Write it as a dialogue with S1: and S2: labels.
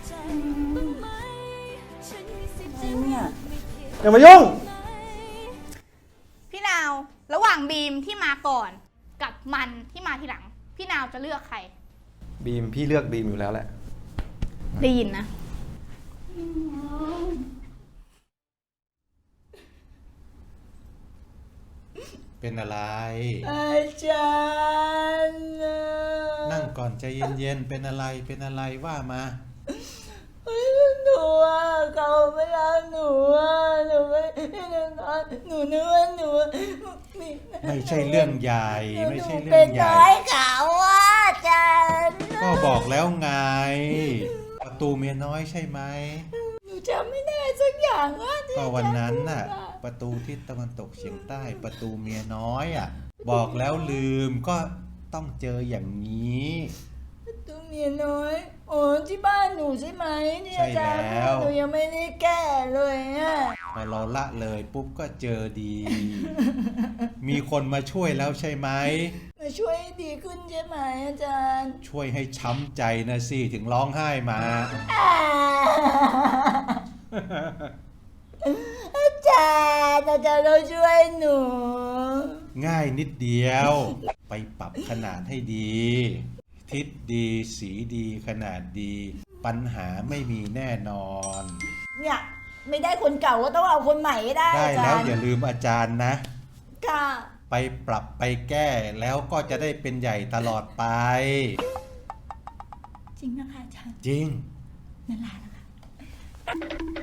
S1: เนี่ย
S2: อย่ามายุ่ง
S3: พี่นาวระหว่างบีมที่มาก่อนกับมันที่มาทีหลัง พี่นาวจะเลือกใคร
S2: บีมพี่เลือกบีมอยู่แล้วแหละ
S3: ได้ยินนะ
S4: เป็นอะไร
S1: อาจารย์
S4: นั่งก่อนใจเย็นๆเป็นอะไรว่ามา
S1: หนูว่าเขาไม่รักหนูว่าหนูไม่หนูนึกว่าหนู
S4: ไม่ใช่เรื่องใหญ่ไม่ใช่เรื่
S1: เป็
S4: อน งใหญ่
S1: น้อยเขาว่าอาจารย์
S4: ก็บอกแล้วไง ประตูเมียน้อยใช่ไหม
S1: หนูจำไม่ได้สักอย่างว่าที่
S4: ก็วันนั้นน่ะ
S1: อาจารย์พูด
S4: ประตูทิศตะวันตกเฉียงใต้ประตูเมียน้อยอ่ะ บอกแล้วลืมก็ต้องเจออย่างนี้
S1: ตัวเมียน้อยโอ้ที่บ้านหนูใช่ไหมเนี่ย
S4: ใช่
S1: อาจารย์
S4: แล้ว
S1: หนูยังไม่ได้แก้เลยอ่ะ
S4: พอเราละเลยปุ๊บก็เจอดี มีคนมาช่วยแล้วใช่ไหม
S1: มาช่วยให้ดีขึ้นใช่ไหมอาจารย์
S4: ช่วยให้ช้ำใจนะสิถึงร้องไห้มา
S1: อาจารย์ต้องช่วยหนู
S4: ง่ายนิดเดียว ไปปรับขนาดให้ดี ทิศดีสีดีขนาดดี ปัญหาไม่มีแน่นอน
S1: เนี่ยไม่ได้คนเก่าก็ต้องเอาคนใหม่ให้ได้
S4: ได้
S1: อาจา
S4: แล้ว
S1: รย์
S4: อย่าลืมอาจารย์นะ
S1: ค่ะ
S4: ไปปรับไปแก้แล้วก็จะได้เป็นใหญ่ตลอดไป
S1: จริงนะคะอาจารย์
S4: จริง
S1: นั่นแหละนะคะ